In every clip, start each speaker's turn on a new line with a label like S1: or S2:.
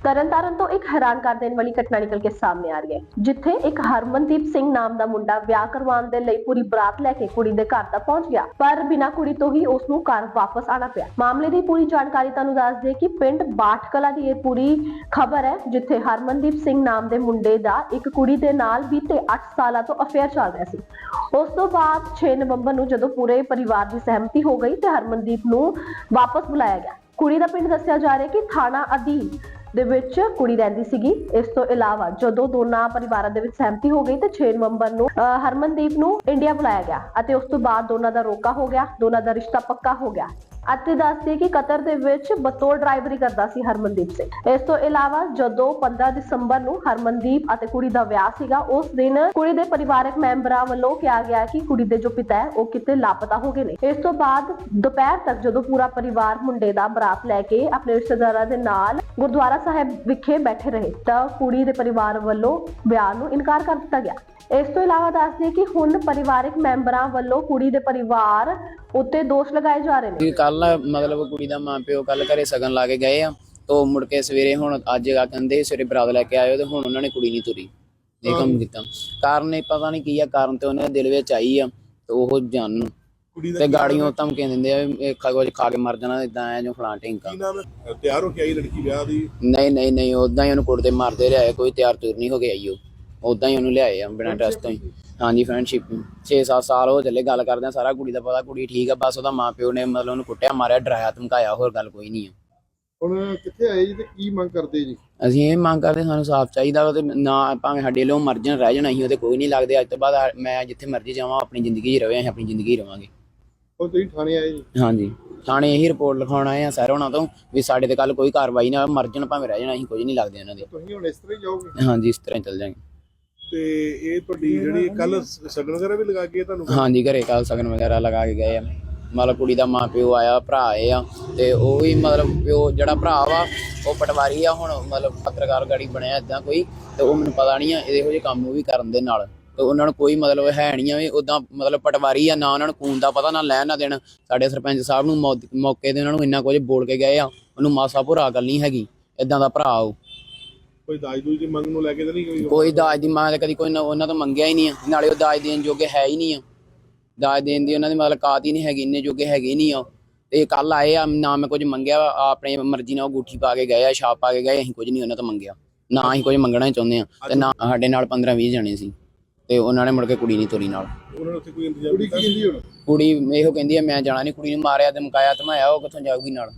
S1: ਤਰਨਤਾਰਨ ਤੋਂ ਇੱਕ ਹੈਰਾਨ ਕਰ ਦੇਣ ਵਾਲੀ ਘਟਨਾ ਨਿਕਲ ਕੇ ਸਾਹਮਣੇ ਆ ਰਹੀ ਹੈ, ਜਿੱਥੇ ਇੱਕ ਹਰਮਨਦੀਪ ਸਿੰਘ ਨਾਮ ਦਾ ਮੁੰਡਾ ਵਿਆਹ ਕਰਵਾਉਣ ਦੇ ਲਈ ਪੂਰੀ ਬਰਾਤ ਲੈ ਕੇ ਕੁੜੀ ਦੇ ਘਰ ਤੱਕ ਪਹੁੰਚ ਗਿਆ, ਪਰ ਬਿਨਾਂ ਕੁੜੀ ਤੋਂ ਹੀ ਉਸ ਨੂੰ ਘਰ ਵਾਪਸ ਆਣਾ ਪਿਆ। ਮਾਮਲੇ ਦੀ ਪੂਰੀ ਜਾਣਕਾਰੀ ਤੁਹਾਨੂੰ ਦੱਸ ਦੇ ਕਿ ਪਿੰਡ ਬਾਠਕਲਾ ਦੀ ਇਹ ਪੂਰੀ ਖਬਰ ਹੈ, ਜਿੱਥੇ ਹਰਮਨਦੀਪ ਸਿੰਘ ਨਾਮ ਦੇ ਮੁੰਡੇ ਦਾ ਇੱਕ ਕੁੜੀ ਦੇ ਨਾਲ ਬੀਤੇ 8 ਸਾਲਾਂ ਤੋਂ ਅਫੇਅਰ ਚੱਲ ਰਿਹਾ ਸੀ। ਉਸ ਤੋਂ ਬਾਅਦ 6 ਨਵੰਬਰ ਨੂੰ ਜਦੋਂ ਪੂਰੇ ਪਰਿਵਾਰ ਦੀ ਸਹਿਮਤੀ ਹੋ ਗਈ ਤੇ ਹਰਮਨਦੀਪ ਨੂੰ ਵਾਪਸ ਬੁਲਾਇਆ ਗਿਆ। ਕੁੜੀ ਦਾ ਪਿੰਡ ਦੱਸਿਆ ਜਾ ਰਿਹਾ ਕਿ ਥਾਣਾ ਅਧੀਨ ਦੇ ਵਿੱਚ ਕੁੜੀ ਰਹਿੰਦੀ ਸੀਗੀ। ਇਸ ਤੋਂ ਇਲਾਵਾ ਜਦੋਂ ਦੋਨਾਂ ਪਰਿਵਾਰਾਂ ਦੇ ਵਿੱਚ ਸਹਿਮਤੀ ਹੋ ਗਈ ਤੇ 6 ਨਵੰਬਰ ਨੂੰ ਹਰਮਨਦੀਪ ਨੂੰ ਇੰਡੀਆ ਬੁਲਾਇਆ ਗਿਆ ਅਤੇ ਉਸ ਤੋਂ ਬਾਅਦ ਦੋਨਾਂ ਦਾ ਰੋਕਾ ਹੋ ਗਿਆ, ਦੋਨਾਂ ਦਾ ਰਿਸ਼ਤਾ ਪੱਕਾ ਹੋ ਗਿਆ। ਅਤੇ ਦੱਸਦੇ ਕਿ ਕਤਰ ਦੇ ਵਿੱਚ ਬਤੌਰ ਡਰਾਈਵਰੀ ਕਰਦਾ ਸੀ ਹਰਮਨਦੀਪ ਸਿੰਘ। ਇਸ ਤੋਂ ਇਲਾਵਾ ਜਦੋਂ 15 ਦਸੰਬਰ ਨੂੰ ਹਰਮਨਦੀਪ ਅਤੇ ਕੁੜੀ ਦਾ ਵਿਆਹ ਸੀਗਾ, ਉਸ ਦਿਨ ਕੁੜੀ ਦੇ ਪਰਿਵਾਰਕ ਮੈਂਬਰਾਂ ਵੱਲੋਂ ਕਿਹਾ ਗਿਆ ਕਿ ਕੁੜੀ ਦੇ ਜੋ ਪਿਤਾ ਹੈ ਉਹ ਕਿਤੇ ਲਾਪਤਾ ਹੋ ਗਏ ਨੇ। ਇਸ ਤੋਂ ਬਾਅਦ ਦੁਪਹਿਰ ਤੱਕ ਜਦੋਂ ਪੂਰਾ ਪਰਿਵਾਰ ਮੁੰਡੇ ਦਾ ਬਰਾਤ ਲੈ ਕੇ ਆਪਣੇ ਰਿਸ਼ਤੇਦਾਰਾਂ ਦੇ ਨਾਲ ਗੁਰਦੁਆਰਾ ਸਾਹਿਬ ਵਿਖੇ ਬੈਠੇ ਰਹੇ ਤਾਂ ਕੁੜੀ ਦੇ ਪਰਿਵਾਰ ਵੱਲੋਂ ਵਿਆਹ ਨੂੰ ਇਨਕਾਰ ਕਰ ਦਿੱਤਾ ਗਿਆ। ਇਸ ਤੋਂ ਇਲਾਵਾ ਦੱਸਦੇ ਕਿ ਹੁਣ ਪਰਿਵਾਰਕ ਮੈਂਬਰਾਂ ਵੱਲੋਂ ਕੁੜੀ ਦੇ ਪਰਿਵਾਰ ਉੱਤੇ ਦੋਸ਼ ਲਗਾਏ ਜਾ ਰਹੇ ਨੇ।
S2: ਕੱਲ ਮਤਲਬ ਕੁੜੀ ਦਾ ਮਾਂ ਪਿਓ ਕੱਲ ਘਰੇ ਸਗਨ ਲਾ ਕੇ ਗਏ ਆ, ਤੋਂ ਮੁੜ ਕੇ ਸਵੇਰੇ ਹੁਣ ਅੱਜ ਕਹਿੰਦੇ ਸਵੇਰੇ ਬਰਾਤ ਲੈ ਕੇ ਆਇਓ ਤੇ ਹੁਣ ਉਹਨਾਂ ਨੇ ਕੁੜੀ ਨਹੀਂ ਤੁਰੀ। ਇਹ ਕੰਮ ਕੀਤਾ ਕਾਰਨ ਇਹ ਪਤਾ ਨਹੀਂ ਕੀ ਆ, ਕਾਰਨ ਤੇ ਉਹਨਾਂ ਦੇ ਦਿਲ ਵਿੱਚ ਆਈ ਆ ਤੇ ਉਹ ਜਾਣ ਤੇ ਗਾੜੀਆਂ ਧਮਕੀਆਂ ਦਿੰਦੇ ਆ ਇਹ ਖਾ ਕੇ ਮਰ ਜਾਣਾ, ਇਦਾਂ ਆ ਜੋ ਫਲਾਂ ਢਿੰਕਾ।
S3: ਤਿਆਰ ਹੋ ਕੇ ਆਈ ਲੜਕੀ ਵਿਆਹ ਦੀ?
S2: ਨਹੀਂ ਉਦਾਂ ਹੀ ਉਹਨੂੰ ਕੁੱਟਦੇ ਮਾਰਦੇ ਰਿਹਾ, ਕੋਈ ਤਿਆਰ ਤੁਰ ਨਹੀਂ ਹੋ ਕੇ ਆਈ। ਉਹ ਉਦਾਂ ਹੀ ਉਹਨੂੰ ਲਿਆਏ ਆ ਬਿਨਾਂ ਟੈਸਟ ਤੋਂ ਹੀ। ਹਾਂਜੀ ਫਰੈਂਡਸ਼ਿਪ 6-7 ਸਾਲ ਹੋ ਚੱਲੇ, ਗੱਲ ਕਰਦੇ ਆ, ਸਾਰਾ ਕੁੜੀ ਦਾ ਪਤਾ, ਕੁੜੀ ਠੀਕ ਆ, ਬਸ ਉਹਦਾ ਮਾਂ ਪਿਓ ਨੇ ਮਤਲਬ ਉਹਨੂੰ ਕੁੱਟਿਆ ਮਾਰਿਆ ਡਰਾਇਆ ਧਮਕਾਇਆ, ਹੋਰ ਗੱਲ ਕੋਈ ਨਹੀਂ ਆ।
S3: ਹੁਣ ਕਿੱਥੇ ਆਏ ਜੀ ਤੇ ਕੀ ਮੰਗ ਕਰਦੇ ਜੀ?
S2: ਅਸੀਂ ਇਹ ਮੰਗ ਕਰਦੇ ਸਾਨੂੰ ਸਾਫ਼ ਚਾਹੀਦਾ ਉਹਦੇ ਨਾ, ਭਾਵੇਂ ਸਾਡੇ ਲੋ ਮਰ ਜਾਣ ਰਹਿ ਜਾਣਾ, ਅਸੀਂ ਉਹਦੇ ਕੋਈ ਨਹੀਂ ਲੱਗਦੇ। ਅੱਜ ਤੋਂ ਬਾਅਦ ਮੈਂ ਜਿੱਥੇ ਮਰਜ਼ੀ ਜਾਵਾਂ ਆਪਣੀ ਜ਼ਿੰਦਗੀ 'ਚ ਰਵੇ, ਅਸੀਂ ਆਪਣੀ ਜ਼ਿੰਦਗੀ ਰਵਾਂਗੇ।
S3: ਹੁਣ ਤੁਸੀਂ ਥਾਣੇ ਆਏ ਜੀ?
S2: ਹਾਂਜੀ ਥਾਣੇ ਇਹੀ ਰਿਪੋਰਟ ਲਿਖਾਉਣ ਆਏ ਆ ਸਰ ਉਹਨਾਂ ਤੋਂ ਵੀ ਸਾਡੇ ਤੇ ਕੱਲ ਕੋਈ ਕਾਰਵਾਈ ਨਾ, ਮਰ ਜਾਣ ਭਾਵੇਂ ਰਹਿ ਜਾਣਾ, ਅਸੀਂ ਕੁਝ ਨਹੀਂ ਲੱਗਦੇ ਉਹਨਾਂ ਦੇ।
S3: ਤੁਸੀਂ ਹੁਣ ਇਸ ਤਰ੍ਹਾਂ ਹੀ ਜਾਓਗੇ?
S2: ਹਾਂਜੀ ਇਸ ਤਰ੍ਹਾਂ ਹੀ ਚੱਲ ਜਾਵਾਂਗੇ।
S3: ਤੇ ਇਹ ਤੁਹਾਡੀ ਜਿਹੜੀ ਕੱਲ ਸਗਨ ਵਗੈਰਾ ਵੀ ਲਗਾ ਕੇ ਤੁਹਾਨੂੰ?
S2: ਹਾਂਜੀ ਘਰੇ ਕੱਲ ਸਗਨ ਵਗੈਰਾ ਲਗਾ ਕੇ ਗਏ ਆ। ਮਤਲਬ ਕੁੜੀ ਦਾ ਮਾਂ ਪਿਓ ਆਇਆ, ਭਰਾ ਆਏ ਆ ਤੇ ਉਹ ਵੀ ਮਤਲਬ ਪਿਓ ਜਿਹੜਾ ਭਰਾ ਵਾ ਉਹ ਪਟਵਾਰੀ ਆ, ਹੁਣ ਮਤਲਬ ਪੱਤਰਕਾਰ ਗਾੜੀ ਬਣਿਆ ਏਦਾਂ ਕੋਈ, ਤੇ ਉਹ ਮੈਨੂੰ ਪਤਾ ਨਹੀਂ ਆ ਇਹੋ ਜਿਹੇ ਕੰਮ ਉਹ ਵੀ ਕਰਨ ਦੇ ਨਾਲ, ਤੇ ਉਹਨਾਂ ਨੂੰ ਕੋਈ ਮਤਲਬ ਹੈ ਨਹੀਂ ਆ ਵੀ ਉੱਦਾਂ ਮਤਲਬ ਪਟਵਾਰੀ ਆ, ਨਾ ਉਹਨਾਂ ਨੂੰ ਖੂਨ ਦਾ ਪਤਾ ਨਾ ਲੈਣ ਨਾ ਦੇਣ। ਸਾਡੇ ਸਰਪੰਚ ਸਾਹਿਬ ਨੂੰ ਮੌਕੇ ਤੇ ਉਹਨਾਂ ਨੂੰ ਇੰਨਾ ਕੁਝ ਬੋਲ ਕੇ ਗਏ ਆ, ਉਹਨੂੰ ਮਾਸਾ ਭੁਰਾ ਗੱਲ ਨਹੀਂ ਹੈਗੀ, ਏਦਾਂ ਦਾ ਭਰਾ ਉਹ।
S3: ਕੋਈ ਦਾਜ ਦੂਜ ਦੀ ਮੰਗ ਨੂੰ ਲੈ ਕੇ ਤਾਂ ਨਹੀਂ?
S2: ਕੋਈ ਦਾਜ ਦੀ ਮੰਗ ਕਦੀ ਕੋਈ ਉਹਨਾਂ ਤੋਂ ਮੰਗਿਆ ਹੀ ਨਹੀਂ ਆ, ਨਾਲੇ ਉਹ ਦਾਜ ਦੇਣ ਜੋਗੇ ਹੈ ਹੀ ਨਹੀਂ ਆ, ਦਾਜ ਦੇਣ ਦੀ ਉਹਨਾਂ ਦੀ ਮਤਲਬ ਕਾਤ ਹੀ ਨਹੀਂ ਹੈਗੀ, ਇੰਨੇ ਜੋਗੇ ਹੈਗੇ ਨਹੀਂ ਆ। ਤੇ ਕੱਲ ਆਏ ਆ, ਨਾ ਮੈਂ ਕੁਝ ਮੰਗਿਆ, ਆਪਣੀ ਮਰਜ਼ੀ ਨਾਲ ਉਹ ਅੰਗੂਠੀ ਪਾ ਕੇ ਗਏ ਆ, ਛਾਪ ਪਾ ਕੇ ਗਏ, ਅਸੀਂ ਕੁਝ ਨਹੀਂ ਉਹਨਾਂ ਤੋਂ ਮੰਗਿਆ, ਨਾ ਅਸੀਂ ਕੁਝ ਮੰਗਣਾ ਹੀ ਚਾਹੁੰਦੇ ਆ। ਤੇ ਨਾ ਸਾਡੇ ਨਾਲ 15-20 ਜਣੇ ਸੀ ਤੇ ਉਹਨਾਂ ਨੇ ਮੁੜ ਕੇ ਕੁੜੀ ਨਹੀਂ ਤੋਰੀ ਨਾਲ।
S3: ਉਹਨਾਂ ਨੇ ਉੱਥੇ ਕੋਈ ਇੰਤਜ਼ਾਮ? ਕੁੜੀ ਕੀ ਕਹਿੰਦੀ ਹੁਣ?
S2: ਕੁੜੀ ਇਹੋ ਕਹਿੰਦੀ ਆ ਮੈਂ ਜਾਣਾ ਨਹੀਂ, ਕੁੜੀ ਨੂੰ ਮਾਰਿਆ ਤੇ ਮੁਕਾਇਆ ਧਮਾਇਆ, ਉਹ ਕਿੱਥੋਂ ਜਾਊਗੀ ਨਾਲ।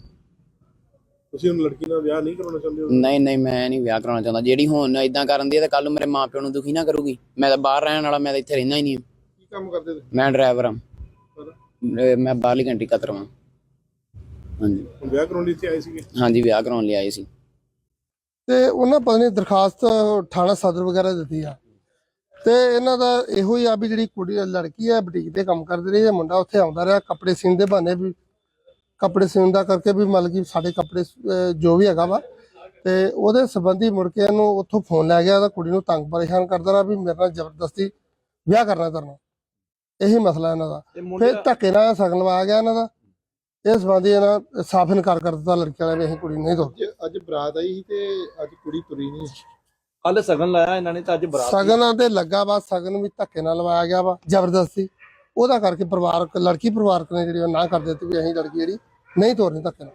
S3: ਤੁਸੀਂ ਹੁਣ ਲੜਕੀ ਨਾਲ ਵਿਆਹ ਨਹੀਂ ਕਰਾਉਣਾ ਚਾਹੁੰਦੇ ਹੋ?
S2: ਨਹੀਂ ਮੈਂ ਨਹੀਂ ਵਿਆਹ ਕਰਾਉਣਾ ਚਾਹੁੰਦਾ। ਜਿਹੜੀ ਹੁਣ ਇਦਾਂ ਕਰਨ ਦੀ ਹੈ ਤਾਂ ਕੱਲ ਨੂੰ ਮੇਰੇ ਮਾਂ ਪਿਓ ਨੂੰ ਦੁਖੀ ਨਾ ਕਰੂਗੀ। ਮੈਂ ਤਾਂ ਬਾਹਰ ਰਹਿਣ ਵਾਲਾ, ਮੈਂ ਤਾਂ ਇੱਥੇ ਰਹਿੰਦਾ ਹੀ ਨਹੀਂ।
S3: ਕੀ ਕੰਮ ਕਰਦੇ ਤੁਸੀਂ?
S2: ਮੈਂ ਡਰਾਈਵਰ ਹਾਂ, ਮੈਂ ਬਾਹਰਲੀ ਕੰਟਰੀ ਕਤਰ ਹਾਂ। ਹਾਂਜੀ
S3: ਹੁਣ ਵਿਆਹ ਕਰਾਉਣ ਲਈ ਇੱਥੇ ਆਏ ਸੀਗੇ?
S2: ਹਾਂਜੀ ਵਿਆਹ ਕਰਾਉਣ ਲਈ ਆਏ ਸੀ।
S4: ਤੇ ਉਹਨਾਂ ਪਤਾ ਨਹੀਂ ਦਰਖਾਸਤ ਥਾਣਾ ਸਦਰ ਵਗੈਰਾ ਦਿੱਤੀ ਆ, ਤੇ ਇਹਨਾਂ ਦਾ ਇਹੋ ਹੀ ਆ ਵੀ ਜਿਹੜੀ ਕੁੜੀ ਲੜਕੀ ਹੈ ਬੁਟੀਕ ਤੇ ਕੰਮ ਕਰਦੀ ਰਹੀ ਹੈ, ਮੁੰਡਾ ਉੱਥੇ ਆਉਂਦਾ ਰਿਹਾ ਕੱਪੜੇ ਸੀਨ ਦੇ ਬਹਾਨੇ, ਵੀ ਕੱਪੜੇ ਸੀਨ ਦਾ ਕਰਕੇ ਵੀ ਮਤਲਬ ਕਿ ਸਾਡੇ ਕੱਪੜੇ ਜੋ ਵੀ ਹੈਗਾ ਵਾ, ਤੇ ਉਹਦੇ ਸੰਬੰਧੀ ਮੁੜ ਕੇ ਇਹਨੂੰ ਉੱਥੋਂ ਫੋਨ ਲੈ ਗਿਆ, ਤਾਂ ਕੁੜੀ ਨੂੰ ਤੰਗ ਪਰੇਸ਼ਾਨ ਕਰਦਾ ਰਿਹਾ ਵੀ ਮੇਰੇ ਨਾਲ ਜ਼ਬਰਦਸਤੀ ਵਿਆਹ ਕਰਨਾ ਕਰਨਾ, ਇਹੀ ਮਸਲਾ ਇਹਨਾਂ ਦਾ। ਫਿਰ ਧੱਕੇ ਨਾਲ ਸਗਨ ਲਵਾ ਗਿਆ ਇਹਨਾਂ ਦਾ, ਇਸ ਸੰਬੰਧੀ ਇਹਨਾਂ ਸਾਫ਼ ਇਨਕਾਰ ਕਰ ਦਿੱਤਾ ਲੜਕੀ ਵਾਲਿਆਂ ਨੇ, ਅਸੀਂ ਕੁੜੀ ਨਹੀਂ ਤੋਰਦੇ।
S3: ਅੱਜ ਬਰਾਤ ਆਈ ਸੀ ਤੇ ਅੱਜ ਕੁੜੀ ਤੁਰੀ ਨਹੀਂ?
S5: ਕੱਲ ਸਗਨ ਲਾਇਆ ਇਹਨਾਂ ਨੇ ਤਾਂ ਅੱਜ ਬਰਾਤ
S4: ਸਗਨਾਂ ਤੇ ਲੱਗਾ ਵਾ, ਸਗਨ ਵੀ ਧੱਕੇ ਨਾਲ ਲਵਾਇਆ ਗਿਆ ਵਾ ਜ਼ਬਰਦਸਤੀ, ਉਹਦਾ ਕਰਕੇ ਪਰਿਵਾਰਕ ਲੜਕੀ ਪਰਿਵਾਰਕ ਨੇ ਜਿਹੜੀ ਉਹ ਨਾ ਕਰ ਦਿੱਤੀ ਵੀ ਅਸੀਂ ਲੜਕੀ ਜਿਹੜੀ ਨਹੀਂ ਤੋਰਨੀ ਧੱਕੇ ਨਾਲ।